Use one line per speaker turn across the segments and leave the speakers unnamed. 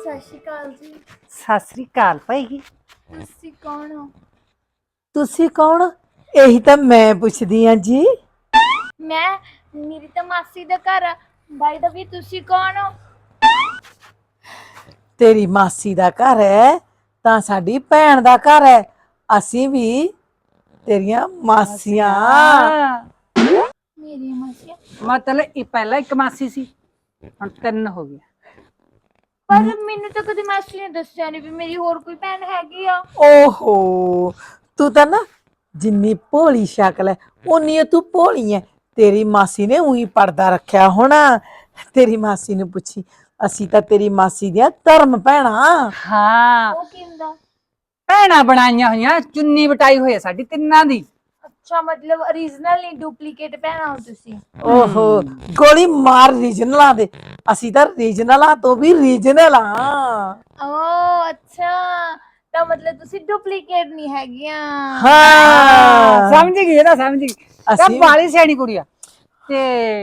ਸਤਿ ਸ਼੍ਰੀ ਅਕਾਲ ਜੀ।
ਸਤਿ ਸ੍ਰੀ ਅਕਾਲ ਭਾਈ।
ਤੁਸੀਂ ਕੌਣ ਹੋ?
ਤੁਸੀਂ ਕੌਣ? ਇਹੀ ਤਾਂ ਮੈਂ ਪੁੱਛਦੀ ਆ ਜੀ।
ਮੇਰੀ ਤਾਂ ਮਾਸੀ ਦਾ ਘਰ ਆ। ਬਾਈ ਦਾ ਵੀ ਤੁਸੀਂ ਕੌਣ ਹੋ?
ਤੇਰੀ ਮਾਸੀ ਦਾ ਘਰ ਹੈ ਤਾਂ ਸਾਡੀ ਭੈਣ ਦਾ ਘਰ ਹੈ। ਅਸੀਂ ਵੀ ਤੇਰੀਆਂ ਮਾਸੀਆਂ।
ਮੇਰੀ ਮਾਸੀ
ਮਤਲਬ ਇਹ ਪਹਿਲਾਂ ਇੱਕ ਮਾਸੀ ਸੀ, ਹੁਣ ਤਿੰਨ ਹੋ ਗਈਆਂ।
ਪਰ ਮੈਨੂੰ ਤਾਂ ਕਦੇ ਮਾਸੀ ਨੇ ਦੱਸਿਆ ਨਹੀਂ ਵੀ ਮੇਰੀ ਹੋਰ ਕੋਈ ਭੈਣ ਹੈਗੀ ਆ।
ਓਹੋ, ਤੂੰ ਤਾਂ ਨਾ ਜਿੰਨੀ ਭੋਲੀ ਸ਼ਕਲ ਹੈ ਉਨੀ ਤੂੰ ਭੋਲੀ ਹੈ। ਤੇਰੀ ਮਾਸੀ ਨੇ ਉਹੀ ਪਰਦਾ ਰੱਖਿਆ ਹੋਣਾ। ਤੇਰੀ ਮਾਸੀ ਨੂੰ ਪੁੱਛੀ, ਅਸੀਂ ਤਾਂ ਤੇਰੀ ਮਾਸੀ ਦੀਆਂ ਧਰਮ ਭੈਣਾਂ।
ਹਾਂ,
ਉਹ ਕੀ ਹੁੰਦਾ?
ਭੈਣਾਂ ਬਣਾਈਆਂ ਹੋਈਆਂ, ਚੁੰਨੀ ਵਟਾਈ ਹੋਈ ਹੈ ਸਾਡੀ ਤਿੰਨਾਂ ਦੀ।
ਅੱਛਾ, ਮਤਲਬ ਓਰੀਜਨਲ ਨਹੀਂ, ਡੁਪਲੀਕੇਟ ਭੈਣਾਂ ਹੋ ਤੁਸੀਂ।
ਓਹੋ, ਗੋਲੀ ਮਾਰ ਰੀਜਨਲਾਂ ਦੇ। ਅਸੀਂ ਤਾਂ ਰੀਜਨਲਾਂ ਤੋਂ ਵੀ ਰੀਜਨਲ ਆ।
ਓ ਅੱਛਾ, ਤਾਂ ਮਤਲਬ ਤੁਸੀਂ ਡੁਪਲੀਕੇਟ ਨਹੀਂ ਹੈਗੀਆਂ।
ਹਾਂ,
ਸਮਝ ਗਈ ਇਹ ਤਾਂ ਸਮਝ ਗਈ। ਤਾਂ
ਅਸੀਂ
ਬਾਲੀ ਸਿਆਣੀ ਕੁੜੀ ਆ। ਤੇ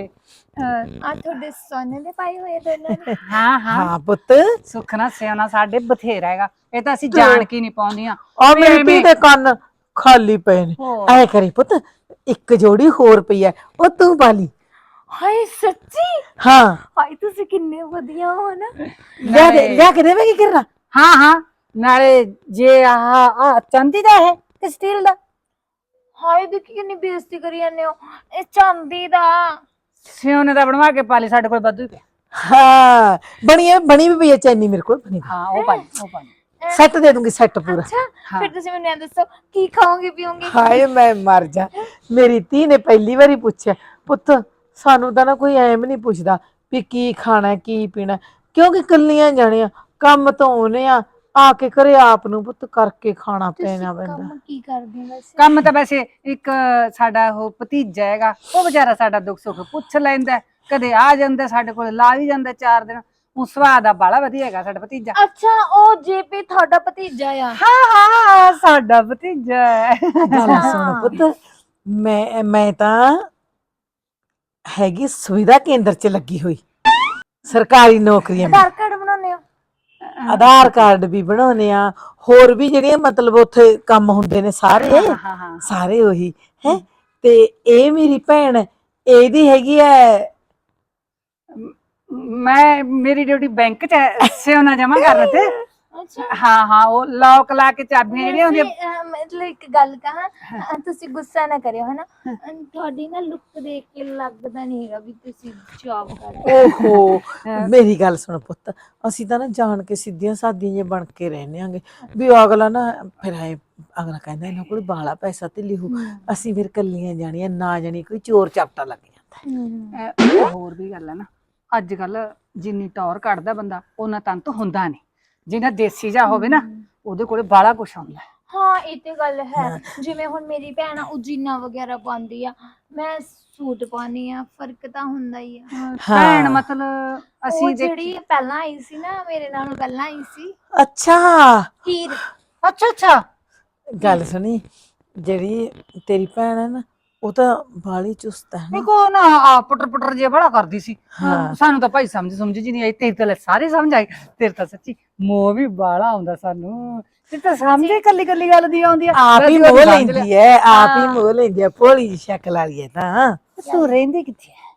ਆ ਤੁਹਾਡੇ ਸੋਨੇ ਦੇ ਪਾਏ ਹੋਏ ਦੋਨਾਂ ਨੇ?
ਹਾਂ ਹਾਂ,
ਹਾਂ ਪੁੱਤ,
ਸੁੱਖ ਨਾਲ ਸਿਆਣਾ ਸਾਡੇ ਬਥੇਰਾ ਹੈਗਾ। ਇਹ ਤਾਂ ਅਸੀਂ ਜਾਣ ਕੇ ਨਹੀਂ ਪਾਉਂਦੀਆਂ
ਆ
ਵੀ
ਮੇਰੀ ਧੀ
ਐਵੇਂ।
ਦੇ ਕੰਨ ਖਾਲੀ ਪਏ ਨੇ।
ਹੋਰ।
ਐ ਕਰੀ ਪੁੱਤ, ਇੱਕ ਜੋੜੀ ਹੋਰ ਪਈ ਐ, ਉਹ ਤੂੰ ਪਾਲੀ।
ਹਾਏ ਸੱਚੀ?
ਹਾਂ,
ਹਾਏ ਤੁਸੀਂ ਕਿੰਨੇ ਵਧੀਆ ਹੋ ਨਾ।
ਲਿਆ ਕੇ ਦੇਵੇਂਗੀ ਕਿਰਨਾ?
ਹਾਂ ਹਾਂ, ਨਾਲੇ ਜੇ ਆਹ ਚਾਂਦੀ ਦਾ ਹੈ ਤੇ ਸਟੀਲ ਦਾ।
ਹਾਏ ਦੇਖੀ ਕਿੰਨੀ ਬੇਇੱਜ਼ਤੀ ਕਰੀ ਜਾਂਦੇ ਹੋ। ਇਹ ਚਾਂਦੀ ਦਾ।
ਸਿਉਨੇ ਦਾ ਬਣਵਾ ਕੇ ਪਾ ਲਈ, ਸਾਡੇ ਕੋਲ ਵਾਧੂ ਹੀ ਪਿਆ।
ਹਾਂ, ਬਣੀ ਵੀ ਪਈ ਐ ਚੈਨੀ ਮੇਰੇ ਕੋਲ ਬਣੀ।
ਹਾਂ, ਉਹ ਪਾ ਲਈ, ਉਹ ਪਾ ਲਈ।
ਸੈੱਟ ਦੇ ਦੂੰਗੀ, ਸੈੱਟ ਪੂਰਾ।
ਅੱਛਾ,
ਹਾਂ।
ਫਿਰ ਤੁਸੀਂ ਮੈਨੂੰ ਇਹ ਦੱਸੋ ਕੀ ਖਾਓਗੇ ਪੀਓਗੇ?
ਹਾਏ ਮੈਂ ਮਰ ਜਾ। ਮੇਰੀ ਧੀ ਨੇ ਪਹਿਲੀ ਵਾਰੀ ਪੁੱਛਿਆ, ਪੁੱਤ ਸਾਨੂੰ ਤਾਂ ਨਾ ਕੋਈ ਐਮ ਨਹੀਂ ਪੁੱਛਦਾ ਵੀ ਕੀ ਖਾਣਾ ਕੀ ਪੀਣਾ, ਕਿਉਂਕਿ ਕੱਲੀਆਂ ਜਾਣੀਆਂ ਕੰਮ ਤੋਂ ਆਉਨੇ ਆ ਕੇ ਘਰੇ ਆਪ ਨੂੰ ਪੁੱਤ ਕਰਕੇ ਖਾਣਾ
ਤੁਸੀਂ
ਪੈਣਾ ਪੈਂਦਾ।
ਕੰਮ ਕੀ ਕਰਦੇ ਹੋ ਵੈਸੇ?
ਕੰਮ ਤਾਂ ਵੈਸੇ ਇੱਕ ਸਾਡਾ ਉਹ ਭਤੀਜਾ ਹੈਗਾ, ਉਹ ਵਿਚਾਰਾ ਸਾਡਾ ਦੁੱਖ ਸੁੱਖ ਪੁੱਛ ਲੈਂਦਾ। ਕਦੇ ਆ ਜਾਂਦਾ ਸਾਡੇ ਕੋਲ, ਲਾ ਵੀ ਜਾਂਦਾ 4 ਦਿਨ। ਉਹ ਸੁਭਾਅ ਦਾ ਬਾਲਾ ਵਧੀਆ ਹੈਗਾ ਸਾਡਾ ਭਤੀਜਾ।
ਅੱਛਾ, ਉਹ ਜੇਪੀ ਤੁਹਾਡਾ ਭਤੀਜਾ ਆ?
ਹਾਂ ਹਾਂ, ਸਾਡਾ ਭਤੀਜਾ ਹੈ।
ਗੱਲ
ਅੱਛਾ।
ਸੁਣ ਪੁੱਤ, ਮੈਂ ਤਾਂ ਹੈਗੀ ਸੁਵਿਧਾ ਕੇਂਦਰ 'ਚ ਲੱਗੀ ਹੋਈ, ਸਰਕਾਰੀ ਨੌਕਰੀਆਂ
ਆਧਾਰ ਕਾਰਡ ਬਣਾਉਂਦੇ ਹੋ?
ਆਧਾਰ ਕਾਰਡ ਵੀ ਬਣਾਉਣੇ ਆ, ਹੋਰ ਵੀ ਜਿਹੜੀਆਂ ਮਤਲਬ ਉੱਥੇ ਕੰਮ ਹੁੰਦੇ ਨੇ ਸਾਰੇ
ਹਾਂ ਹਾਂ ਹਾਂ।
ਸਾਰੇ ਉਹੀ ਹੈ। ਤੇ ਇਹ ਮੇਰੀ ਭੈਣ, ਇਹਦੀ ਹੈਗੀ ਹੈ।
ਮੇਰੀ ਡਿਊਟੀ ਬੈਂਕ 'ਚ ਹੈ, ਸਿਉਨਾ ਜਮਾ ਕਰਨ ਤੇ।
ਅੱਛਾ।
ਹਾਂ ਹਾਂ, ਉਹ ਲੌਕ ਲਾ ਕੇ ਚਾਬੀਆਂ ਜਿਹੜੀਆਂ ਹੁੰਦੀਆਂ।
ਮਤਲਬ ਇੱਕ ਗੱਲ ਕਹਾਂ, ਤੁਸੀਂ ਗੁੱਸਾ ਨਾ ਕਰਿਓ ਹਨਾ। ਤੁਹਾਡੀ ਨਾ ਲੁੱਕ ਦੇਖ ਕੇ ਲੱਗਦਾ ਨਹੀਂ ਹੈਗਾ ਵੀ ਤੁਸੀਂ ਜੌਬ ਕਰਦੇ ਹੋ।
ਓਹੋ, ਮੇਰੀ ਗੱਲ ਸੁਣ ਪੁੱਤ, ਅਸੀਂ ਤਾਂ ਨਾ ਜਾਣ ਕੇ ਸਿੱਧੀਆਂ ਸਾਦੀਆਂ ਜੇ ਬਣ ਕੇ ਰਹਿੰਦੇ ਆਂਗੇ ਵੀ ਅਗਲਾ ਨਾ ਫਿਰ ਅਗਲਾ ਕਹਿੰਦਾ ਇਹਨਾਂ ਕੋਲ ਬਾਹਲਾ ਪੈਸਾ ਤੇ ਲਿਹੂ, ਅਸੀਂ ਫਿਰ ਕੱਲੀਆਂ ਜਾਣੀਆਂ ਨਾ ਜਾਣੀ ਕੋਈ ਚੋਰ ਚਾਪਟਾ ਲੱਗ ਜਾਂਦਾ।
ਹੋਰ ਵੀ ਗੱਲ ਹੈ ਨਾ, ਅੱਜ ਕੱਲ ਜਿੰਨੀ ਟੌਰ ਕੱਢਦਾ ਬੰਦਾ ਉਹਨਾਂ ਤੰਤ ਹੁੰਦਾ ਨਹੀਂ। ਜਿਹਨਾਂ ਦੇਸੀ ਜਾ ਹੋਵੇ ਨਾ, ਉਹਦੇ ਕੋਲੇ ਬਾਹਲਾ ਕੁਛ ਆਉਂਦਾ।
ਹਾਂ, ਇਹ ਤੇ ਗੱਲ ਹੈ। ਜਿਵੇਂ ਹੁਣ ਮੇਰੀ ਭੈਣ ਆ, ਉਹ ਜੀਨਾ ਵਗੈਰਾ ਪਾਉਂਦੀ ਆ, ਮੈਂ ਸੂਟ ਪਾਉਣੀ ਆ, ਫਰਕ ਤਾਂ ਹੁੰਦਾ ਹੀ ਆ।
ਭੈਣ
ਹਾਂ,
ਮਤਲਬ
ਉਹ
ਅਸੀਂ ਦੇਖੀ।
ਜਿਹੜੀ ਪਹਿਲਾਂ ਆਈ ਸੀ ਨਾ, ਮੇਰੇ ਨਾਲੋਂ ਪਹਿਲਾਂ ਆਈ ਸੀ,
ਅੱਛਾ
ਹੀਰ।
ਅੱਛਾ ਅੱਛਾ।
ਗੱਲ ਸੁਣੀ, ਜਿਹੜੀ ਤੇਰੀ ਭੈਣ ਹੈ ਨਾ, ਉਹ ਤਾਂ ਬਾਹਲੀ ਚੁਸਤ ਹੈ ਨਾ।
ਇੱਕ ਉਹ ਨਾ ਪੁੱਟਰ ਪੁੱਟਰ ਜਿਹਾ ਬੜਾ ਕਰਦੀ ਸੀ।
ਹਾਂ,
ਸਾਨੂੰ ਤਾਂ ਭਾਈ ਸਮਝ ਜੀ ਨਹੀਂ ਆਈ। ਤੇਰੀ ਤਾਂ ਸਾਰੇ ਸਮਝ ਆਈ। ਤੇਰੇ ਤਾਂ ਸੱਚੀ ਮੋਹ ਵੀ ਬਾਹਲਾ ਆਉਂਦਾ ਸਾਨੂੰ। ਤੇ ਤਾਂ ਸਮਝ ਹੀ ਕੱਲੀ ਕੱਲੀ ਗੱਲ ਦੀ ਆਉਂਦੀ ਆ।
ਆਪ ਹੀ
ਅਸੀਂ
ਮੋਹ
ਉਹਦੀ ਸਮਝ ਲਿਆ।
ਲੈਂਦੀ ਹੈ, ਆਪ ਹੀ
ਹਾਂ,
ਮੋਹ ਲੈਂਦੀ ਹੈ, ਭੋਲੀ ਜਿਹੀ ਸ਼ਕਲ ਵਾਲੀ ਹੈ ਤਾਂ।
ਤੂੰ ਰਹਿੰਦੀ ਕਿੱਥੇ ਹੈ?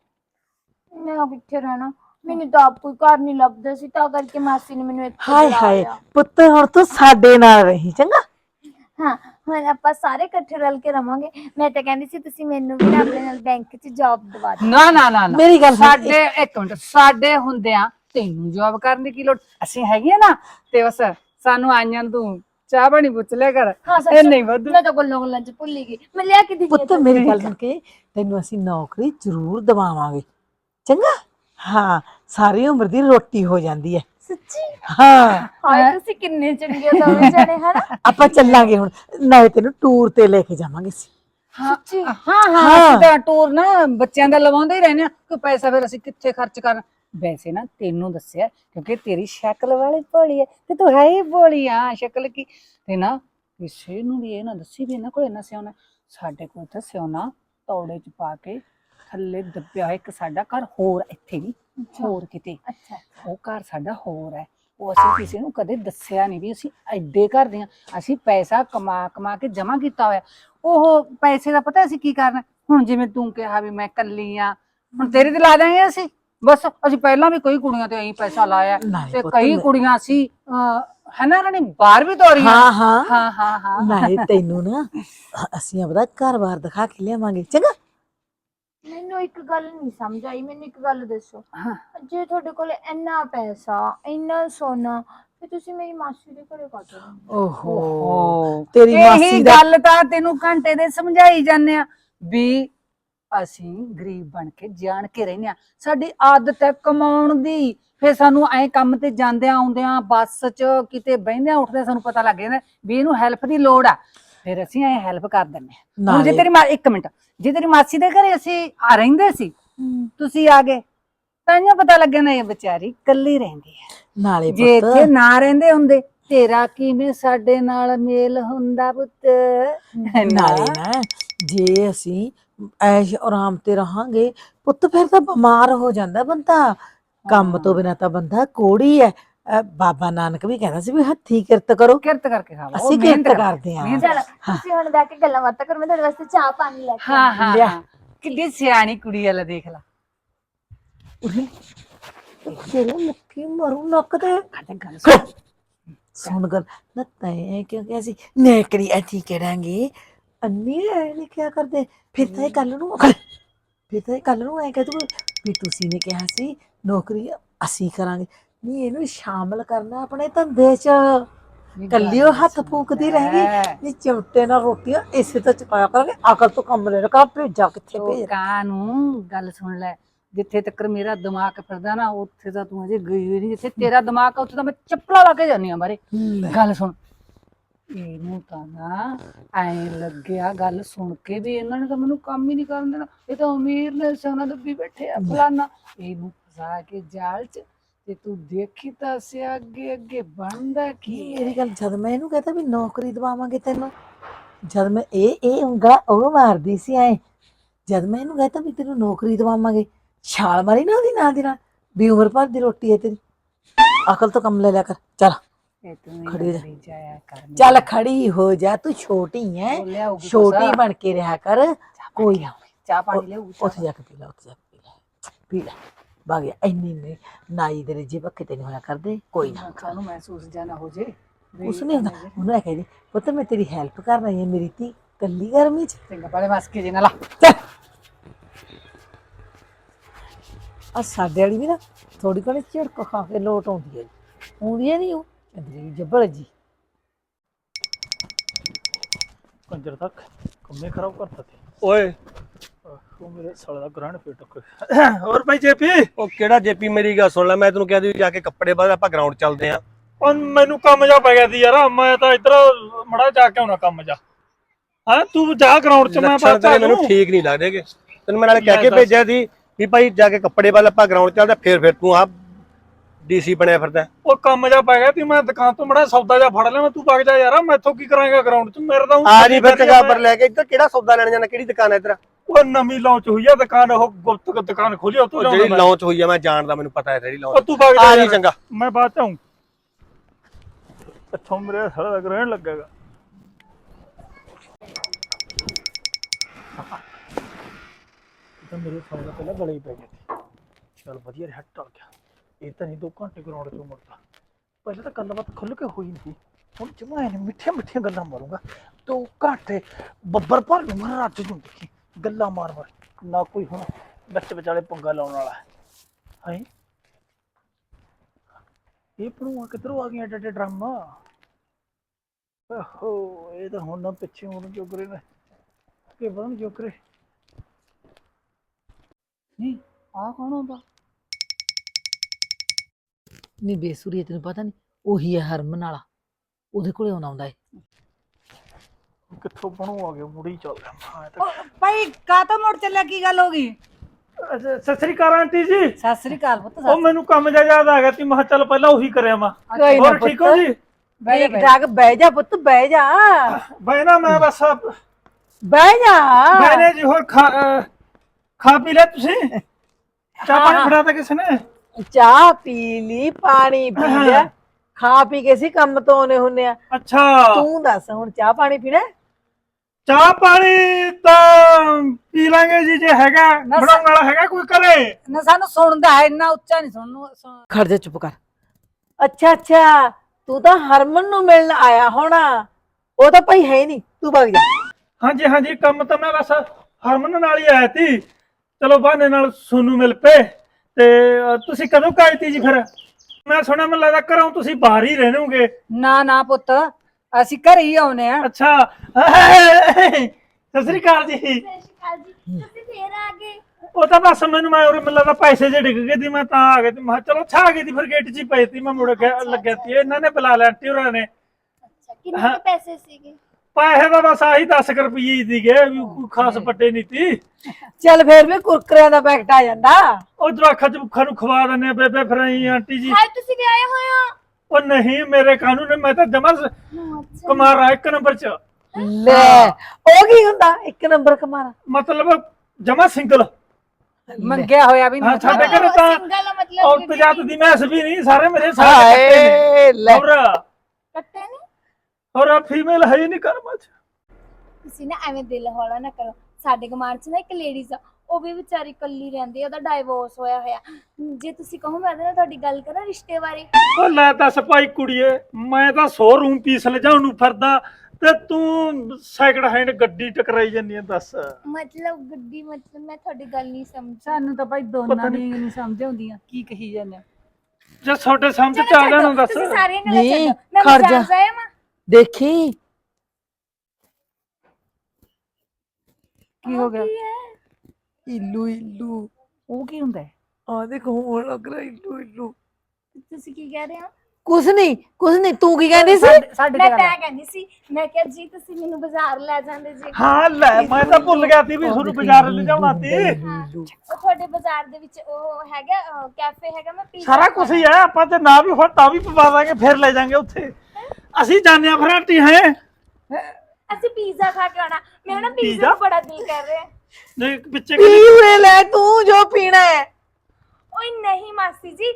ਮੈਂ ਕਿੱਥੇ ਰਹਿਣਾ, ਮੈਨੂੰ ਤਾਂ ਆਪ ਕੋਈ ਘਰ ਨੀ ਲੱਭਦਾ ਸੀ, ਤਾਂ ਕਰਕੇ ਮਾਸੀ ਨੇ ਮੈਨੂੰ ਇੱਥੇ
ਹਾਏ
ਬੁਲਾ
ਹਾਏ
ਲਿਆ।
ਪੁੱਤ, ਹੁਣ ਤੂੰ ਸਾਡੇ ਨਾਲ ਰਹੀ ਚੰਗਾ।
ਹਾਂ, ਹੁਣ ਆਪਾਂ ਸਾਰੇ ਇਕੱਠੇ ਰਲ ਕੇ ਰਵਾਂਗੇ। ਮੈਂ ਤਾਂ ਕਹਿੰਦੀ ਸੀ ਤੁਸੀਂ ਮੈਨੂੰ ਵੀ ਆਪਣੇ ਨਾਲ ਬੈਂਕ 'ਚ ਜੌਬ ਦਵਾ ਦਿਓ।
ਨਾ ਨਾ ਨਾ ਨਾ,
ਮੇਰੀ ਗੱਲ ਸੁਣ।
ਸਾਡੇ ਇੱਕ ਮਿੰਟ, ਸਾਡੇ ਹੁੰਦਿਆਂ ਤੈਨੂੰ ਜੌਬ ਕਰਨ ਦੀ ਕੀ ਲੋੜ? ਅਸੀਂ ਹੈਗੀਆਂ ਨਾ। ਤੇ ਬਸ ਸਾਨੂੰ ਆਈਆਂ ਨੂੰ ਤੂੰ ਚਾਹ ਪਾਣੀ ਪੁੱਛ ਲਿਆ ਕਰ।
ਹਾਂ
ਇਹ
ਸੱਚ,
ਨਹੀਂ ਵਾਧੂ।
ਮੈਂ ਤਾਂ ਗੱਲਾਂ ਗੱਲਾਂ 'ਚ ਭੁੱਲ ਹੀ ਗਈ, ਮੈਂ ਲਿਆ ਕੇ ਦਿੰਦੀ ਹਾਂ
ਪੁੱਤ
ਤੁਹਾਨੂੰ।
ਮੇਰੀ ਗੱਲ ਸੁਣ ਕੇ, ਤੈਨੂੰ ਅਸੀਂ ਨੌਕਰੀ ਜ਼ਰੂਰ ਦਵਾਵਾਂਗੇ ਚੰਗਾ। ਹਾਂ, ਸਾਰੀ ਉਮਰ ਦੀ ਰੋਟੀ ਹੋ ਜਾਂਦੀ ਹੈ।
ਸੱਚੀ?
ਹਾਂ,
ਹਾਏ ਤੁਸੀਂ ਕਿੰਨੇ ਚੰਗੇ ਹੋ ਦੋਵੇਂ ਜਣੇ ਹਨਾ।
ਆਪਾਂ ਚੱਲਾਂਗੇ ਹੁਣ, ਨਾਲੇ ਤੈਨੂੰ ਟੂਰ ਤੇ ਲੈ ਕੇ ਜਾਵਾਂਗੇ ਅਸੀਂ।
ਹਾਂ
ਸੱਚੀ?
ਹਾਂ ਹਾਂ, ਅਸੀਂ ਤਾਂ ਟੂਰ ਨਾ ਬੱਚਿਆਂ ਦਾ ਲਵਾਉਂਦੇ ਹੀ ਰਹਿੰਦੇ ਆ। ਕੋਈ ਪੈਸਾ ਫਿਰ ਅਸੀਂ ਕਿੱਥੇ ਖਰਚ ਕਰਨਾ। ਵੈਸੇ ਨਾ ਤੈਨੂੰ ਦੱਸਿਆ ਕਿਉਂਕਿ ਤੇਰੀ ਸ਼ਕਲ ਵਾਲੀ ਭੋਲੀ ਹੈ, ਤੇ ਤੂੰ ਹੈ ਹੀ ਭੋਲੀ ਆ, ਸ਼ਕਲ ਕੀ। ਤੇ ਨਾ ਕਿਸੇ ਨੂੰ ਵੀ ਇਹ ਨਾ ਦੱਸੀ ਵੀ ਇਹਨਾਂ ਕੋਲ ਇੰਨਾ ਸਿਉਣਾ। ਸਾਡੇ ਕੋਲ ਤਾਂ ਸਿਉਣਾ ਤੌੜੇ 'ਚ ਪਾ ਕੇ ਥੱਲੇ ਦੱਬਿਆ ਹੋਇਆ। ਇੱਕ ਸਾਡਾ ਘਰ ਹੋਰ ਇੱਥੇ ਵੀ, ਹੋਰ ਕਿਤੇ
ਅੱਛਾ।
ਉਹ ਘਰ ਸਾਡਾ ਹੋਰ ਹੈ। ਉਹ ਅਸੀਂ ਕਿਸੇ ਨੂੰ ਕਦੇ ਦੱਸਿਆ ਨਹੀਂ ਵੀ ਅਸੀਂ ਐਡੇ ਘਰ ਦੇ ਆ। ਅਸੀਂ ਪੈਸਾ ਕਮਾ ਕਮਾ ਕੇ ਜਮਾ ਕੀਤਾ ਹੋਇਆ। ਉਹ ਪੈਸੇ ਦਾ ਪਤਾ ਅਸੀਂ ਕੀ ਕਰਨਾ। ਹੁਣ ਜਿਵੇਂ ਤੂੰ ਕਿਹਾ ਵੀ ਮੈਂ ਕੱਲੀ ਆ, ਹੁਣ ਤੇਰੇ ਤੇ ਲਾ ਦਾਂਗੇ ਅਸੀਂ। ਬਸ ਅਸੀਂ ਪਹਿਲਾਂ ਵੀ ਕਈ ਕੁੜੀਆਂ ਤੇ ਐਂ ਪੈਸਾ ਲਾਇਆ
ਨਾਲੇ
ਤੇ
ਪੁੱਤ
ਕਈ ਕੁੜੀਆਂ ਸੀ ਹੈ ਨਾ ਰਾਣੀ ਬਾਹਰ ਵੀ ਤੋਰੀਆਂ।
ਹਾਂ ਹਾਂ
ਹਾਂ ਹਾਂ ਹਾਂ
ਨਾਲੇ ਤੈਨੂੰ ਨਾ ਅਸੀਂ ਆਪਦਾ ਘਰ-ਬਾਰ ਦਿਖਾ ਕੇ ਲਿਆਵਾਂਗੇ, ਚੰਗਾ।
ਮੈਨੂੰ ਇੱਕ ਗੱਲ ਨਹੀਂ ਸਮਝ ਆਈ, ਮੈਨੂੰ ਇੱਕ ਗੱਲ ਦੱਸੋ।
ਹਾਂ।
ਜੇ ਤੁਹਾਡੇ ਕੋਲ ਇੰਨਾ ਪੈਸਾ, ਇੰਨਾ ਸੋਨਾ, ਤੇ ਤੁਸੀਂ ਮੇਰੀ ਮਾਸੀ ਦੇ ਘਰੇ ਕਾਹਤੋਂ ਰਹਿੰਦੇ ਹੋ?
ਓਹੋ ਤੇਰੀ
ਇਹੀ
ਮਾਸੀ ਦਾ
ਗੱਲ ਤਾਂ ਤੈਨੂੰ ਘੰਟੇ ਦੇ ਸਮਝਾਈ ਜਾਂਦੇ ਆ ਵੀ ਅਸੀਂ ਗਰੀਬ ਬਣ ਕੇ ਜਾਣ ਕੇ ਰਹਿੰਦੇ ਆ। ਸਾਡੀ ਆਦਤ ਹੈ ਕਮਾਉਣ ਦੀ। ਫਿਰ ਸਾਨੂੰ ਐ ਕੰਮ ਤੇ ਜਾਂਦਿਆਂ ਆਉਂਦਿਆਂ ਬੱਸ 'ਚ ਕਿਤੇ ਬਹਿੰਦਿਆਂ ਉੱਠਦਿਆਂ ਸਾਨੂੰ ਪਤਾ ਲੱਗ ਜਾਂਦਾ ਵੀ ਇਹਨੂੰ ਹੈਲਪ ਦੀ ਲੋੜ ਆ। ਫਿਰ ਅਸੀਂ ਐ ਹੈਲਪ ਕਰ ਦਿੰਦੇ ਆ। ਹੁਣ ਜੇ ਤੇਰੀ ਇੱਕ ਮਿੰਟ, ਜੇ ਤੇਰੀ ਮਾਸੀ ਦੇ ਘਰੇ ਅਸੀਂ ਆ ਰਹਿੰਦੇ ਸੀ, ਤੁਸੀਂ ਆ ਗਏ, ਤਾਂ ਪਤਾ ਲੱਗਿਆ ਨਾ ਇਹ ਵਿਚਾਰੀ ਇਕੱਲੀ ਰਹਿੰਦੀ ਹੈ।
ਨਾਲੇ
ਜੇ ਇੱਥੇ
ਪੁੱਤ
ਨਾ ਰਹਿੰਦੇ ਹੁੰਦੇ ਤੇਰਾ ਕਿਵੇਂ ਸਾਡੇ ਨਾਲ ਮੇਲ ਹੁੰਦਾ ਪੁੱਤ।
ਨਾਲੇ ਨਾ ਜੇ ਅਸੀਂ ਐਸ਼ ਆਰਾਮ ਤੇ ਰਹਾਂਗੇ ਪੁੱਤ, ਫਿਰ ਤਾਂ ਬਿਮਾਰ ਹੋ ਜਾਂਦਾ ਬੰਦਾ। ਕੰਮ ਤੋਂ ਬਿਨਾਂ ਤਾਂ ਬੰਦਾ ਕੋੜੀ ਹੈ। ਬਾਬਾ ਨਾਨਕ ਵੀ ਕਹਿੰਦਾ ਸੀ ਵੀ ਹੱਥੀਂ ਕਿਰਤ ਕਰੋ।
ਕਿਰਤ ਕਰਕੇ ਖਾਓ।
ਅਸੀਂ ਕਿਰਤ ਕਰਦੇ ਆ।
ਚਲੋ ਤੁਸੀਂ ਹੁਣ ਬਹਿ ਕੇ ਗੱਲਾਂ ਬਾਤਾਂ ਕਰੋ, ਮੈਂ ਤੁਹਾਡੇ ਵਾਸਤੇ ਚਾਹ ਪਾਣੀ ਲੈ ਕੇ
ਹਾਂ
ਆਉਂਦੀ
ਹਾਂ ਕਿੱਡੀ ਸਿਆਣੀ ਕੁੜੀ ਵਾਲਾ ਦੇਖ ਲਾ।
ਤੇਰੇ ਮੁੱਕੀ ਮਰੂ ਨੱਕ ਤੇ।
ਗੱਲ
ਸੁਣ ਗੱਲ ਨਾ ਤੈਂ ਕਿਉਂਕਿ ਅਸੀਂ ਨੇਕੜੀ ਇੱਥੇ ਕਰਾਂਗੇ ਅੰਨੀ ਐ ਕਿਆ ਕਰਦੇ। ਫਿਰ ਤਾਂ ਇਹ ਕੱਲ ਨੂੰ ਐ ਕਹਿ ਦੂ ਵੀ ਤੁਸੀਂ ਨੇ ਕਿਹਾ ਸੀ ਨੌਕਰੀ ਅਸੀਂ ਕਰਾਂਗੇ। ਨਹੀਂ ਇਹਨੂੰ ਸ਼ਾਮਲ ਕਰਨਾ ਆਪਣੇ ਧੰਦੇ 'ਚ। ਕੱਲੀ ਉਹ ਹੱਥ ਫੂਕਦੀ ਰਹੇਗੀ ਨੀ ਚਿਮਟੇ ਨਾਲ ਰੋਟੀਆਂ ਇਸੇ ਤੋਂ ਚਪਾਇਆ ਕਰਾਂਗੇ। ਅਕਲ ਤੋਂ ਕੰਮ ਲੈ ਲਗਾ ਭੇਜਾ ਕਿੱਥੇ ਭੇਜ
ਕਾਂ ਨੂੰ ਗੱਲ ਸੁਣ ਲੈ। ਜਿੱਥੇ ਤੱਕ ਮੇਰਾ ਦਿਮਾਗ ਫਿਰਦਾ ਨਾ ਉੱਥੇ ਤਾਂ ਤੂੰ ਅਜੇ ਗਈ ਹੋਈ ਨਹੀਂ। ਜਿੱਥੇ ਤੇਰਾ ਦਿਮਾਗ ਆ ਉੱਥੇ ਤਾਂ ਮੈਂ ਚੱਪਲਾਂ ਲਾ ਕੇ ਜਾਂਦੀ ਆ ਬਾਰੇ। ਗੱਲ ਸੁਣ, ਇਹਨੂੰ ਤਾਂ ਨਾ ਐ ਲੱਗਿਆ ਗੱਲ ਸੁਣ ਕੇ ਵੀ ਇਹਨਾਂ ਨੇ ਤਾਂ ਮੈਨੂੰ ਕੰਮ ਹੀ ਨਹੀਂ ਕਰਨ ਦੇਣਾ। ਇਹ ਤਾਂ ਅਮੀਰ ਨੇ ਸੋਨਾ ਦੱਬੀ ਬੈਠੇ ਆ ਫਲਾਨਾ। ਇਹਨੂੰ ਫਸਾ ਕੇ ਜਾਲ 'ਚ ਤੇ ਤੂੰ ਦੇਖੀ ਤਾਂ ਅਸੀਂ ਅੱਗੇ ਅੱਗੇ ਬਣਦਾ ਕੀ।
ਮੇਰੀ ਗੱਲ ਜਦ ਮੈਂ ਇਹਨੂੰ ਕਹਤਾ ਵੀ ਨੌਕਰੀ ਦਵਾਵਾਂਗੇ ਤੈਨੂੰ, ਜਦ ਮੈਂ ਇਹ ਉਂਗਲਾ ਉਹ ਮਾਰਦੀ ਸੀ ਐ, ਜਦ ਮੈਂ ਇਹਨੂੰ ਕਹਤਾ ਵੀ ਤੈਨੂੰ ਨੌਕਰੀ ਦਵਾਵਾਂਗੇ, ਛਾਲ ਮਾਰੀ ਨਾ ਉਹਦੀ ਨਾਲ ਦੀ ਨਾਲ ਵੀ ਉਮਰ ਭਰ ਦੀ ਰੋਟੀ ਹੈ ਤੇਰੀ। ਅਕਲ ਤੋਂ ਕੰਮ ਲੈ ਲਿਆ ਕਰ। ਚੱਲ ਖੜੀ ਹੋ ਜਾ। ਚੱਲ ਖੜੀ ਹੋ ਜਾ, ਤੂੰ ਛੋਟੀ ਐ, ਛੋਟੀ ਬਣ ਕੇ ਰਿਹਾ ਕਰ। ਕੋਈ
ਚਾਹ ਪਾਣੀ ਲਿਆਊ।
ਉੱਥੇ ਜਾ ਕੇ ਪੀ ਲੈ, ਉੱਥੇ ਜਾ ਕੇ ਪੀ ਲੈ ਬਾਗਿਆ। ਇੰਨੀ ਨਾਈ ਦੇ ਰਜੇ ਪੱਕੇ ਤੇ ਨਹੀਂ ਹੋਇਆ ਕਰਦੇ। ਕੋਈ ਨਾ
ਸਾਨੂੰ ਮਹਿਸੂਸ ਜਾਣਾ ਹੋ ਜੇ
ਕੁਛ ਨਹੀਂ ਹੁੰਦਾ। ਉਹਨੂੰ ਇਹ ਕਹਿੰਦੀ ਪੁੱਤ ਮੈਂ ਤੇਰੀ ਹੈਲਪ ਕਰ ਰਹੀ ਹਾਂ ਮੇਰੀ ਧੀ ਕੱਲੀ ਗਰਮੀ 'ਚ।
ਚੰਗਾ ਪਾਲੇ ਮਸ ਕੇ ਜੇ ਨਾਲ
ਆ ਸਾਡੇ ਵਾਲੀ ਵੀ ਨਾ ਥੋੜੀ ਘਣੀ ਝਿੜਕ ਖਾ ਕੇ ਲੋਟ ਆਉਂਦੀ ਹੈ। ਆਉਂਦੀ ਹੈ ਨਹੀਂ ਉਹ ਅੰਦਰੀ ਜੱਬਲ ਜੀ।
ਕੰਜਰ ਤੱਕ ਕੰਮੇ ਖਰਾਬ ਕਰਤਾ ਤੇ ਓਏ ਉਹ ਮੇਰੇ ਸਾਲੇ ਦਾ ਗ੍ਰੈਂਡ ਫਿਟ ਹੋਰ ਭਾਈ ਜੇਪੀ।
ਉਹ ਕਿਹੜਾ ਜੇਪੀ, ਮੇਰੀ ਗੱਲ ਸੁਣ ਲੈ। ਮੈਂ ਤੈਨੂੰ ਕਿਹਾ ਸੀ ਜਾ ਕੇ ਕੱਪੜੇ ਬਾਅਦ ਆਪਾਂ ਗਰਾਊਂਡ ਚੱਲਦੇ ਆਂ।
ਉਹ ਮੈਨੂੰ ਕੰਮ ਜਾ ਪੈ ਗਿਆ ਸੀ ਯਾਰ। ਮੈਂ ਤਾਂ ਇੱਧਰ ਮੜਾ ਜਾ ਕੇ ਆਉਣਾ ਕੰਮ ਜਾ। ਹਾਂ ਤੂੰ ਜਾ ਗਰਾਊਂਡ 'ਚ। ਮੈਂ
ਲੱਛਣ ਤੇਰੇ ਮੈਨੂੰ ਠੀਕ ਨਹੀਂ ਲੱਗਦੇਗੇ। ਤੈਨੂੰ ਮੈਂ ਨਾਲੇ ਕਹਿ ਕੇ ਭੇਜਿਆ ਸੀ ਵੀ ਭਾਈ ਜਾ ਕੇ ਕੱਪੜੇ ਬਾਅਦ ਆਪਾਂ ਗਰਾਊਂਡ ਚੱਲਦੇ। ਫਿਰ ਤੂੰ ਆ ਡੀਸੀ ਬਣਿਆ ਫਿਰਦਾ।
ਉਹ ਕੰਮ ਜਾ ਪੈ ਗਿਆ ਸੀ। ਮੈਂ ਦੁਕਾਨ ਤੋਂ ਮੜਾ ਸੌਦਾ ਜਾ ਫੜ ਲਿਆ। ਤੂੰ ਵਗ ਜਾ ਯਾਰ, ਮੈਥੋਂ ਕੀ ਕਰਾਂਗਾ ਗਰਾਊਂਡ 'ਚ। ਮੇਰੇ ਤਾਂ
ਆ ਜੀ ਫਿਰ ਚੰਗਾ ਪਰ ਲੈ ਕੇ। ਇੱਧਰ ਕਿਹੜਾ ਸੌਦਾ ਲੈਣ ਜਾਣਾ? ਕਿਹੜੀ ਦੁਕਾਨ ਹੈ ਇੱਧਰ?
ਉਹ ਨਵੀਂ ਲਾਂਚ ਹੋਈ ਆ ਦੁਕਾਨ। ਉਹ ਗੁਪਤ ਦੁਕਾਨ ਖੋਲੀ ਉੱਥੋਂ ਜਾਣਾ।
ਜਿਹੜੀ ਲਾਂਚ ਹੋਈ ਆ ਮੈਂ ਜਾਣਦਾ, ਮੈਨੂੰ ਪਤਾ ਹੈ ਤੇਰੀ
ਉਹ
ਲਾਂਚ।
ਤੂੰ ਵਗ ਜਾ
ਆ
ਯਾਰ,
ਜੀ ਚੰਗਾ।
ਮੈਂ ਬਾਅਦ 'ਚ ਆਊਂ। ਇੱਥੋਂ ਮੇਰੇ ਸਾਲੇ ਦਾ ਗ੍ਰਹਿਣ ਲੱਗੇਗਾ। ਤਾਂ ਮੇਰੇ ਸਾਲੇ ਦਾ ਪਹਿਲਾਂ ਗਲੇ ਹੀ ਪੈ ਗਿਆ ਸੀ। ਚਲ ਵਧੀਆ ਰਿਹਾ, ਟਲ ਗਿਆ। ਇਹ ਤਾਂ ਨਹੀਂ 2 ਘੰਟੇ ਗਰਾਊਂਡ 'ਚੋਂ ਮੁੜਦਾ। ਪਹਿਲਾਂ ਤਾਂ ਗੱਲਬਾਤ ਖੁੱਲ੍ਹ ਕੇ ਹੋਈ ਨਹੀਂ ਸੀ। ਹੁਣ ਜਮਾ ਇਹਨੇ ਮਿੱਠੀਆਂ ਮਿੱਠੀਆਂ ਗੱਲਾਂ ਮਾਰੂੰਗਾ। 2 ਘੰਟੇ ਬੱਬਰ ਭਰ ਲੂੰਗਾ ਰੱਜ ਨੂੰ। ਦੇਖੀ ਗੱਲਾਂ ਮਾਰ ਨਾ ਕੋਈ ਹੁਣ ਵਿੱਚ ਵਿਚਾਲੇ ਪੰਗਾ ਲਾਉਣ ਵਾਲਾ ਹੈ। ਇਹ ਭਣੂਆ ਕਿੱਧਰੋਂ ਆ ਗਈਆਂ ਏਡੇ ਡਰਾਮਾ। ਓਹੋ ਇਹ ਤਾਂ ਹੁਣ ਨਾ ਪਿੱਛੇ ਹੋਣ ਜੋਗਰੇ ਨੇ ਕਿ ਵਧਣ ਜੋਗਰੇ
ਨਹੀਂ। ਆ ਕੌਣ ਆਉਂਦਾ?
ਨਹੀਂ ਬੇਸੁਰੀ ਤੈਨੂੰ ਪਤਾ ਨਹੀਂ ਉਹੀ ਹੈ ਹਰਮਨ ਵਾਲਾ। ਉਹਦੇ ਕੋਲੇ ਆਉਂਦਾ ਹੈ।
ਕਿੱਥੋਂ ਬਣੂ ਆ ਗਿਆ ਬੁੜੀ ਚੱਲ ਰਿਹਾ।
ਭਾਈ ਕਾ ਤਾਂ ਮੁੜ ਚੱਲਿਆ? ਕੀ ਗੱਲ ਹੋ ਗਈ?
ਸਤਿ ਸ੍ਰੀ ਅਕਾਲ ਆਂਟੀ ਜੀ।
ਸਤਿ ਸ੍ਰੀ ਅਕਾਲ ਪੁੱਤ।
ਉਹ ਮੈਨੂੰ ਕੰਮ ਜਾ ਯਾਦ ਆ ਗਿਆ ਸੀ। ਮੈਂ ਕਿਹਾ ਚੱਲ ਪਹਿਲਾਂ ਉਹੀ ਕਰਿਆ ਵਾ।
ਕੋਈ ਨਾ
ਹੋਰ ਠੀਕ ਹੋ ਜੀ?
ਠੀਕ ਠਾਕ। ਬਹਿ ਜਾ ਪੁੱਤ, ਬਹਿ ਜਾ।
ਬਈ ਨਾ ਮੈਂ ਬਸ
ਬਹਿ ਜਾ।
ਮੈਨੇ ਜੀ ਹੋਰ ਖਾ ਪੀ ਲਿਆ ਤੁਸੀਂ? ਚਾਹ ਪਾਣੀ ਫੜਾ ਤਾ ਕਿਸੇ ਨੇ?
ਚਾਹ ਪੀ ਲਈ, ਪਾਣੀ ਪੀ ਲਿਆ। ਖਾ ਪੀ ਕੇ ਸੀ ਕੰਮ ਤੋਂ ਆਉਣੇ ਹੁੰਨੇ ਆ।
ਅੱਛਾ
ਤੂੰ ਦੱਸ ਹੁਣ ਚਾਹ ਪਾਣੀ ਪੀਣਾ?
ਚਾਹ ਪਾਣੀ ਤਾਂ ਪੀ ਲਾਂਗੇ ਜੀ ਜੇ ਹੈਗਾ
ਨਾ
ਬਣਾਉਣ ਵਾਲਾ ਹੈਗਾ ਕੋਈ ਘਰੇ।
ਨਾ ਸਾਨੂੰ ਸੁਣਦਾ ਹੈ, ਇੰਨਾ ਉੱਚਾ ਨਹੀਂ
ਖੜ ਜਾ ਚੁੱਪ ਕਰ। ਅੱਛਾ ਅੱਛਾ ਤੂੰ ਤਾਂ ਹਰਮਨ ਨੂੰ ਮਿਲਣ ਆਇਆ ਹੋਣਾ, ਉਹ ਤਾਂ ਭਾਈ ਹੈ ਨਹੀਂ, ਤੂੰ ਭੱਗ ਜਾ।
ਹਾਂਜੀ ਹਾਂਜੀ ਕੰਮ ਤਾਂ ਮੈਂ ਬਸ ਹਰਮਨ ਨਾਲ ਹੀ ਆਇਆ ਸੀ, ਚਲੋ ਬਹਾਨੇ ਨਾਲ ਸੋਨੂੰ ਮਿਲ ਪਏ। ਤੇ ਤੁਸੀਂ ਕਦੋਂ ਕਾਈ ਤੀ ਜੀ ਫਿਰ? ਮੈਂ ਸੁਣਿਆ ਮੈਨੂੰ ਲੱਗਦਾ ਘਰੋਂ ਤੁਸੀਂ ਬਾਹਰ ਹੀ ਰਹਿਣੇ ਹੋਗੇ।
ਨਾ ਪੁੱਤ, ਅਸੀਂ ਘਰੇ ਹੀ ਆਉਨੇ ਆ।
ਅੱਛਾ ਸਤਿ ਸ੍ਰੀ ਅਕਾਲ ਜੀ।
ਸਤਿ ਸ਼੍ਰੀ ਅਕਾਲ ਜੀ, ਤੁਸੀਂ ਫੇਰ ਆ ਗਏ?
ਉਹ ਤਾਂ ਬਸ ਮੈਨੂੰ ਮੈਂ ਉਰੇ ਮੈਨੂੰ ਲੱਗਦਾ ਪੈਸੇ ਜੇ ਡਿੱਗ ਗਏ ਸੀ, ਮੈਂ ਤਾਂ ਆ ਗਏ ਤੇ ਮੈਂ ਕਿਹਾ ਚਲੋ ਅੱਛਾ ਆ ਗਈ ਸੀ, ਫਿਰ ਗੇਟ 'ਚ ਹੀ ਪਈ ਸੀ, ਮੈਂ ਮੁੜ ਗਿਆ ਲੱਗਿਆ ਸੀ, ਇਹਨਾਂ ਨੇ ਬੁਲਾ ਲਿਆ ਆਂਟੀ ਹੋਰਾਂ ਨੇ।
ਅੱਛਾ, ਕਿੰਨੇ ਕੁ ਪੈਸੇ ਸੀਗੇ?
ਪੈਸੇ ਤਾਂ ਬਸ ਆਹੀ 10 ਰੁਪਏ ਹੀ ਸੀਗੇ, ਵੀ ਕੋਈ ਖਾਸ ਵੱਡੇ ਨਹੀਂ ਸੀ।
ਚੱਲ ਫੇਰ ਵੀ ਕੁਰਕਰਿਆਂ ਦਾ ਪੈਕਟ ਆ ਜਾਂਦਾ।
ਉਧਰ ਅੱਖਾਂ 'ਚ ਮੁੱਖਾਂ ਨੂੰ ਖਵਾ ਦਿੰਦੇ ਆ ਬੇਬੇ, ਫਿਰ ਆਈ ਆਂਟੀ ਜੀ।
ਹਾਏ ਤੁਸੀਂ ਵੀ ਆਏ ਹੋਏ ਹੋ?
ਉਹ ਨਹੀਂ ਮੇਰੇ ਕਾਨੂੰਨ ਨੇ, ਮੈਂ ਤਾਂ ਜਮਾ
ਅੱਛਾ
ਕੁਮਾਰ ਆ 1 ਨੰਬਰ 'ਚ,
ਲੈ ਉਹ ਕੀ ਹੁੰਦਾ 1 ਨੰਬਰ ਕਮਾਰਾ?
ਮਤਲਬ ਜਮਾ ਸਿੰਗਲ।
ਮੰਗਿਆ ਹੋਇਆ ਵੀ
ਹਾਂ
ਨਹੀਂ।
ਸਾਡੇ ਘਰੇ ਤਾਂ
ਸਿੰਗਲ ਮਤਲਬ
ਔਰਤ ਜਾਤ ਦੀ ਮੈਸ ਵੀ ਨਹੀਂ, ਸਾਰੇ ਮੇਰੇ ਸਾਰੇ
ਹਾਏ ਲੈ
ਹੋਰ
ਕੱਟੇ ਨੇ।
ਹੋਰ ਫੀਮੇਲ ਹੈ ਹੀ ਨਹੀਂ ਕਰਮਾਂ 'ਚ।
ਤੁਸੀਂ ਨਾ ਐਵੇਂ ਦਿਲ ਹੌਲਾ ਨਾ ਕਰੋ। ਸਾਡੇ ਗੁਆਂਢ 'ਚ ਨਾ ਇੱਕ ਲੇਡੀਜ਼ ਆ, ਉਹ ਵੀ ਵਿਚਾਰੀ ਇਕੱਲੀ ਰਹਿੰਦੀ ਆ, ਉਹਦਾ ਡਾਈਵੋਰਸ ਹੋਇਆ ਹੋਇਆ। ਜੇ ਤੁਸੀਂ ਕਹੋ ਮੈਂ ਉਹਦੇ ਨਾਲ ਤੁਹਾਡੀ ਗੱਲ ਕਰਾਂ ਰਿਸ਼ਤੇ ਬਾਰੇ।
ਉਹ ਲੈ ਦੱਸ ਭਾਈ ਕੁੜੀਏ, ਮੈਂ ਤਾਂ 100 ਰੂਮ ਪੀਸ ਲਿਜਾਉਣ ਨੂੰ ਫਿਰਦਾ ਤੇ ਤੂੰ ਸੈਕਿੰਡ ਹੈਂਡ ਗੱਡੀ ਟਕਰਾਈ ਜਾਂਦੀ ਆ। ਦੱਸ
ਮਤਲਬ ਗੱਡੀ, ਮਤਲਬ ਮੈਂ ਤੁਹਾਡੀ ਗੱਲ ਨਹੀਂ ਸਮਝੀ।
ਸਾਨੂੰ ਤਾਂ ਭਾਈ ਦੋਨਾਂ ਦੀ ਨਹੀਂ ਸਮਝ ਆਉਂਦੀਆਂ, ਕੀ ਕਹੀ ਜਾਂਦੇ ਆ।
ਜੇ ਤੁਹਾਡੇ ਸਮਝ ਚ ਆ ਜਾਣਾ ਦੱਸ।
ਤੁਸੀਂ ਸਾਰੀਆਂ ਗੱਲਾਂ
ਨਹੀਂ,
ਛੱਡੋ, ਮੈਂ
ਖੜ ਜਾ।
ਮਜ਼ਾਕ ਆਇਆ ਮੈਂ।
ਦੇਖੀ
ਕੀ ਹੋ ਗਿਆ?
ਕੀ ਹੈ?
ਇੱਲੂ ਇੱਲੂ
ਉਹ ਕੀ ਹੁੰਦਾ ਹੈ?
ਆ ਦੇਖੋ ਹੋਣ ਲੱਗ ਰਿਹਾ ਇੱਲੂ ਇੱਲੂ।
ਤੁਸੀਂ ਕੀ ਕਹਿ ਰਹੇ ਹੋ?
ਕੁਛ ਨਹੀਂ ਤੂੰ ਕੀ ਕਹਿੰਦੀ ਸੀ?
ਸਾਡੇ
ਮੈਂ
ਤੇ
ਤਾਂ ਕਹਿੰਦੀ ਸੀ, ਮੈਂ ਕਿਹਾ ਜੀ ਤੁਸੀਂ ਮੈਨੂੰ ਬਾਜ਼ਾਰ ਲੈ ਜਾਂਦੇ ਜੀ।
ਹਾਂ ਲੈ ਮੈਂ ਤਾਂ ਭੁੱਲ ਗਿਆ ਸੀ ਵੀ ਤੁਹਾਨੂੰ ਬਾਜ਼ਾਰ ਲਿਜਾਉਣਾ ਸੀ।
ਹਾਂ, ਉਹ ਤੁਹਾਡੇ ਬਾਜ਼ਾਰ ਦੇ ਵਿੱਚ ਉਹ ਹੈਗਾ ਕੈਫੇ ਹੈਗਾ, ਮੈਂ ਪੀਜ਼ਾ
ਸਾਰਾ ਕੁਝ ਹੀ ਹੈ, ਆਪਾਂ ਤੇ ਨਾ ਵੀ ਹੋਰ ਤਾਂ ਵੀ ਪਵਾ ਦਾਂਗੇ, ਫਿਰ ਲੈ ਜਾਾਂਗੇ ਉੱਥੇ। ਅਸੀਂ ਜਾਣਿਆ ਫਿਰ ਆਂਟੀ ਹੈ
ਅਸੀਂ ਪੀਜ਼ਾ ਖਾ ਕੇ ਆਉਣਾ। ਮੇਰਾ ਨਾ
ਪੀਜ਼ਾ?
ਪੀਜ਼ਾ ਬੜਾ ਦਿਲ ਕਰ ਰਿਹਾ।
ਨਹੀਂ ਪਿੱਛੇ
ਪੀ ਹੋਏ ਲੈ ਤੂੰ ਜੋ ਪੀਣਾ ਹੈ।
ਓਏ ਨਹੀਂ ਮਾਸੀ ਜੀ,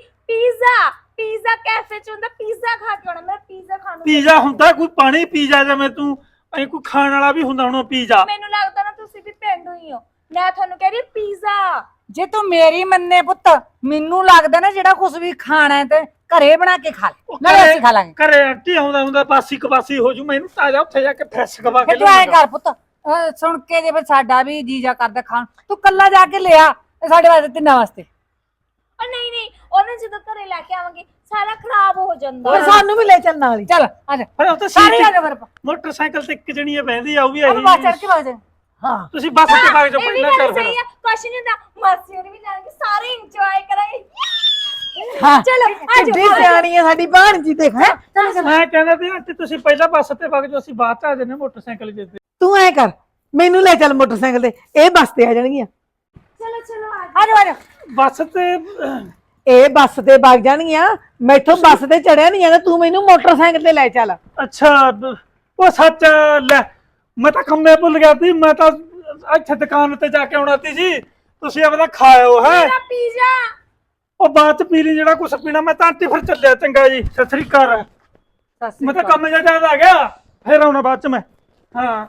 ਪੀਜ਼ਾ ਕੈਫੇ ਚ ਹੁੰਦਾ, ਪੀਜ਼ਾ ਖਾ ਕੇ ਆਉਣਾ। ਮੇਰਾ ਪੀਜ਼ਾ ਖਾਣ ਨੂੰ
ਪੀਜ਼ਾ ਹੁੰਦਾ ਕੋਈ ਪਾਣੀ ਪੀਜ਼ਾ, ਜਿਵੇਂ ਤੂੰ ਐ ਕੋਈ ਖਾਣ ਵਾਲਾ ਵੀ ਹੁੰਦਾ ਹੁਣ ਪੀਜ਼ਾ।
ਮੈਨੂੰ ਲੱਗਦਾ ਨਾ ਤੁਸੀਂ ਵੀ ਪਿੰਡੋਂ ਹੀ ਹੋ। ਮੈਂ ਤੁਹਾਨੂੰ ਕਹਿ ਰਹੀ ਪੀਜ਼ਾ।
ਜੇ ਤੂੰ ਮੇਰੀ ਮੰਨੇ ਪੁੱਤ, ਮੈਨੂੰ ਲੱਗਦਾ ਨਾ ਜਿਹੜਾ ਕੁਝ ਵੀ ਖਾਣਾ ਹੈ ਤੇ ਘਰੇ ਬਣਾ ਕੇ ਖਾ ਲੈ, ਨਾਲੇ ਅਸੀਂ ਖਾ ਲਾਂਗੇ।
ਘਰੇ ਆਂਟੀ ਆਉਂਦਾ ਬਾਸੀ ਕਬਾਸੀ ਹੋ ਜੂ, ਮੈਨੂੰ ਤਾਜ਼ਾ ਉੱਥੇ ਜਾ ਕੇ ਫਰੈਸ਼ ਖਵਾ ਕੇ
ਫਿਰ ਤੂੰ ਐ ਕਰ ਪੁੱਤ, ਸੁਣ ਕੇ ਜੇ ਫਿਰ ਸਾਡਾ ਵੀ ਜੀਜਾ ਕਰਦਾ ਖਾਣ, ਤੂੰ ਕੱਲਾ ਜਾ ਕੇ ਲਿਆ ਸਾਡੇ ਵਾਸਤੇ, ਤਿੰਨਾਂ ਵਾਸਤੇ।
ਔਰ ਨਹੀਂ ਉਹਨੇ ਜਦੋਂ ਘਰੇ ਲੈ ਕੇ ਆਵਾਂਗੇ ਸਾਰਾ ਖਰਾਬ ਹੋ ਜਾਂਦਾ।
ਫਿਰ ਸਾਨੂੰ ਵੀ ਲੈ ਚੱਲ ਨਾਲ ਹੀ।
ਚੱਲ ਆ ਜਾ,
ਫਿਰ ਉੱਥੇ
ਸਾਰੇ ਆ ਜਾ ਫਿਰ।
ਮੋਟਰਸਾਈਕਲ ਤੇ ਇੱਕ ਜਣੀ ਬਹਿੰਦੀ ਆ, ਉਹ ਵੀ
ਉਹਨੂੰ ਬਾਅਦ ਚੜ
ਆਈ।
ਕੇ ਬਾਅਦ
ਹਾਂ
ਤੁਸੀਂ ਬੱਸ ਤੇ ਭਾਗ ਜਾਓ,
ਇਹ ਵੀ
ਪਹਿਲਾਂ
ਗੱਲ
ਕਰ ਫਿਰ।
ਸਹੀ ਆ, ਕੁਛ ਨਹੀਂ ਹੁੰਦਾ। ਮਾਸੀ ਹੋਣੀ ਵੀ ਜਾਣਗੇ, ਸਾਰੇ ਇੰਜੋਏ ਕਰਾਂਗੇ।
ਹਾਂ
ਚਲੋ ਆ
ਕਿੱਡੀ
ਜਾਓ।
ਸਿਆਣੀ ਹੈ ਸਾਡੀ ਭਾਣਜੀ, ਦੇਖ ਹੈਂ।
ਮੈਂ ਕਹਿੰਦਾ ਸੀ ਆਂਟੀ ਤੁਸੀਂ ਪਹਿਲਾਂ ਬੱਸ ਤੇ ਭਾਗ ਜਾਓ, ਅਸੀਂ ਬਾਅਦ ਚ ਆ ਜਾਂਦੇ ਮੋਟਰਸਾਈਕਲ ਤੇ।
ਤੂੰ ਐ ਕਰ ਮੈਨੂੰ ਲੈ ਚੱਲ ਮੋਟਰਸਾਈਕਲ ਤੇ, ਇਹ ਬੱਸ ਤੇ ਆ ਜਾਣਗੀਆਂ।
ਚਲੋ
ਆ ਜਾ ਆ ਜਾ।
ਬੱਸ ਤੇ
ਇਹ ਬੱਸ ਤੇ ਵਗ ਜਾਣਗੀਆਂ, ਮੈਥੋਂ ਬੱਸ ਤੇ ਚੜਿਆ ਨਹੀਂ ਜਾਂਦਾ, ਤੂੰ ਮੈਨੂੰ ਮੋਟਰਸਾਈਕਲ ਤੇ ਲੈ ਚੱਲ।
ਅੱਛਾ ਉਹ ਸੱਚ ਲੈ, ਮੈਂ ਤਾਂ ਕੰਮੇ ਭੁੱਲ ਗਿਆ ਸੀ, ਮੈਂ ਤਾਂ ਇੱਥੇ ਦੁਕਾਨ ਤੇ ਜਾ ਕੇ ਆਉਣਾ ਸੀ ਜੀ, ਤੁਸੀਂ ਆਪਦਾ ਖਾਇਓ ਹੈ।
ਮੇਰਾ ਪੀਜ਼ਾ।
ਉਹ ਬਾਅਦ ਚ ਪੀ ਲਈ ਜਿਹੜਾ ਕੁਛ ਪੀਣਾ। ਮੈਂ ਤਾਂ ਆਂਟੀ ਫਿਰ ਚੱਲਿਆ, ਚੰਗਾ ਜੀ, ਸਤਿ ਸ੍ਰੀ ਅਕਾਲ। ਮੈਂ ਤਾਂ ਕੰਮ ਜਿਹਾ ਯਾਦ ਆ ਗਿਆ, ਫਿਰ ਆਉਣਾ ਬਾਅਦ ਚ ਮੈਂ। ਹਾਂ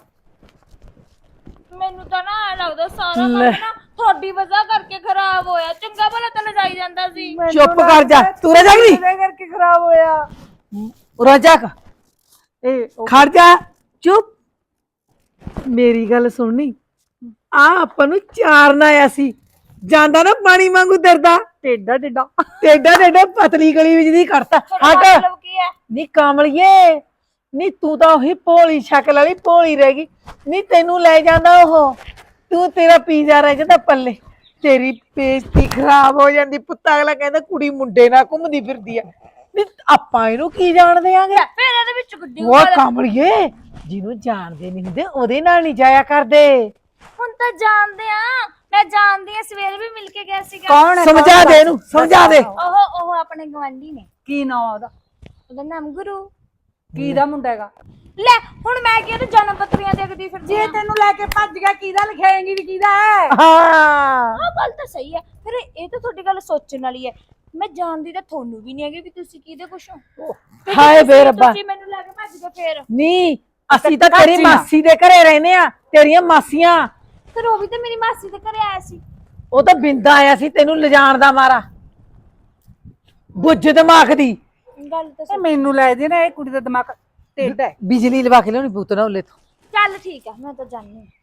ਮੈਨੂੰ ਤਾਂ ਨਾ ਐ ਲੱਗਦਾ ਸਾਰਾ ਕੰਮ ਨਾ ਤੁਹਾਡੀ ਵਜ੍ਹਾ ਕਰਕੇ ਖਰਾਬ ਹੋਇਆ। ਚੰਗਾ ਭਲਾ ਤਾਂ ਲਜਾਈ ਜਾਂਦਾ ਸੀ।
ਚੁੱਪ ਕਰ ਜਾ, ਤੂੰ ਰਹਿ ਜਾਗਰੀ
ਕਰਕੇ ਖਰਾਬ ਹੋਇਆ।
ਰੋਜਾ
ਇਹ
ਖੜ ਜਾ, ਚੁੱਪ। ਮੇਰੀ ਗੱਲ ਸੁਣਨੀ, ਆ ਆਪਾਂ ਨੂੰ ਚਾਰਨ ਆਇਆ ਸੀ, ਜਾਂਦਾ ਨਾ ਪਾਣੀ ਵਾਂਗੂ ਦਰਦਾ,
ਟੇਡਾ ਟੇਡਾ।
ਟੇਡਾ ਪਤਲੀ ਗਲੀ ਵਿੱਚ ਦੀ ਕਰਤਾ।
ਤੁਹਾਡਾ
ਹਟ
ਮਤਲਬ ਕੀ ਹੈ?
ਨੀ ਕਾਮਲੀਏ, ਨੀ ਤੂੰ ਤਾਂ ਉਹੀ ਭੋਲੀ ਸ਼ਕਲ ਵਾਲੀ ਭੋਲੀ ਰਹਿ ਗਈ। ਨੀ ਤੈਨੂੰ ਲੈ ਜਾਂਦਾ ਉਹ, ਤੂੰ ਤੇਰਾ ਪੀਜ਼ਾ ਰਹਿ ਜਾਂਦਾ ਪੱਲੇ, ਤੇਰੀ ਬੇਇੱਜ਼ਤੀ ਖਰਾਬ ਹੋ ਜਾਂਦੀ। ਪੁੱਤ ਅਗਲਾ ਕਹਿੰਦਾ ਕੁੜੀ ਮੁੰਡੇ ਨਾਲ ਘੁੰਮਦੀ ਫਿਰਦੀ ਆ। ਨੀ ਆਪਾਂ ਇਹਨੂੰ ਕੀ ਜਾਣਦੇ ਆਂਗੇ?
ਫਿਰ ਇਹਦੇ ਵਿੱਚ ਗੁੱਡੀ
ਉਹ ਕਾਮਲੀਏ, ਜਿਹਨੂੰ ਜਾਣਦੇ ਨਹੀਂ ਹੁੰਦੇ ਉਹਦੇ ਨਾਲ ਨਹੀਂ ਜਾਇਆ ਕਰਦੇ।
ਹੁਣ ਤਾਂ ਜਾਣਦੇ ਆ, ਮੈਂ ਜਾਣਦੀ ਆ, ਸਵੇਰ ਵੀ ਮਿਲ ਕੇ ਗਿਆ ਸੀਗਾ।
ਕੌਣ ਹੈ?
ਸਮਝਾ ਦੇ ਇਹਨੂੰ, ਸਮਝਾ ਦੇ।
ਉਹ ਆਪਣੇ ਗਵਾਂਢੀ ਨੇ,
ਕੀ ਨਾਮ ਉਹਦਾ?
ਉਹਦਾ ਨਾਮ ਗੁਰੂ।
ਕੀ ਦਾ ਮੁੰਡਾ ਹੈਗਾ?
ਲੈ ਹੁਣ ਮੈਂ ਕੀ ਉਹਦੇ ਜਨਮ ਪੱਤਰੀਆਂ ਦੇਖਦੀ ਫਿਰਦੀ
ਜੇ
ਆ।
ਤੈਨੂੰ ਲੈ ਕੇ ਭੱਜ ਗਿਆ, ਕਿਹਦਾ ਲਿਖਾਏਂਗੀ ਵੀ ਕਿਹਦਾ ਹੈ?
ਹਾਂ
ਆਹ ਗੱਲ ਤਾਂ ਸਹੀ ਹੈ। ਫਿਰ ਇਹ ਤਾਂ ਤੁਹਾਡੀ ਗੱਲ ਸੋਚਣ ਵਾਲੀ ਹੈ। ਮੈਂ ਜਾਣਦੀ ਤਾਂ ਤੁਹਾਨੂੰ ਵੀ ਨਹੀਂ ਹੈਗੀ ਵੀ ਤੁਸੀਂ ਕਿਹਦੇ ਕੁਛ ਹੋ।
ਹਾਏ ਬੇ ਰੱਬਾ
ਤੁਸੀਂ ਮੈਨੂੰ ਲੈ ਕੇ ਭੱਜ ਗਏ ਫੇਰ।
ਨਹੀਂ ਅਸੀਂ ਤਾਂ ਤੇਰੀ ਮਾਸੀ ਦੇ ਘਰੇ ਰਹਿੰਦੇ ਆ, ਤੇਰੀਆਂ ਮਾਸੀਆਂ।
ਫਿਰ ਉਹ ਵੀ ਤਾਂ ਮੇਰੀ ਮਾਸੀ ਦੇ ਘਰੇ ਆਇਆ ਸੀ।
ਉਹ ਤਾਂ ਬਿੰਦਾ ਆਇਆ ਸੀ ਤੈਨੂੰ ਲਿਜਾਣ ਦਾ ਮਾਰਾ, ਬੁੱਝ ਦਿਮਾਗ ਦੀ।
ਗੱਲ ਤਾਂ
ਇਹ ਮੈਨੂੰ ਲੱਗਦੀ ਨਾ ਇਹ ਕੁੜੀ ਦਾ ਦਿਮਾਗ ਟੇਢਾ ਹੈ।
ਬਿਜਲੀ ਲਵਾ ਕੇ ਲਿਆਉਣੀ ਪੁੱਤ ਨਾ ਉਹਲੇ ਤੋਂ।
ਚੱਲ ਠੀਕ ਆ, ਮੈਂ ਤਾਂ ਜਾਣੀ।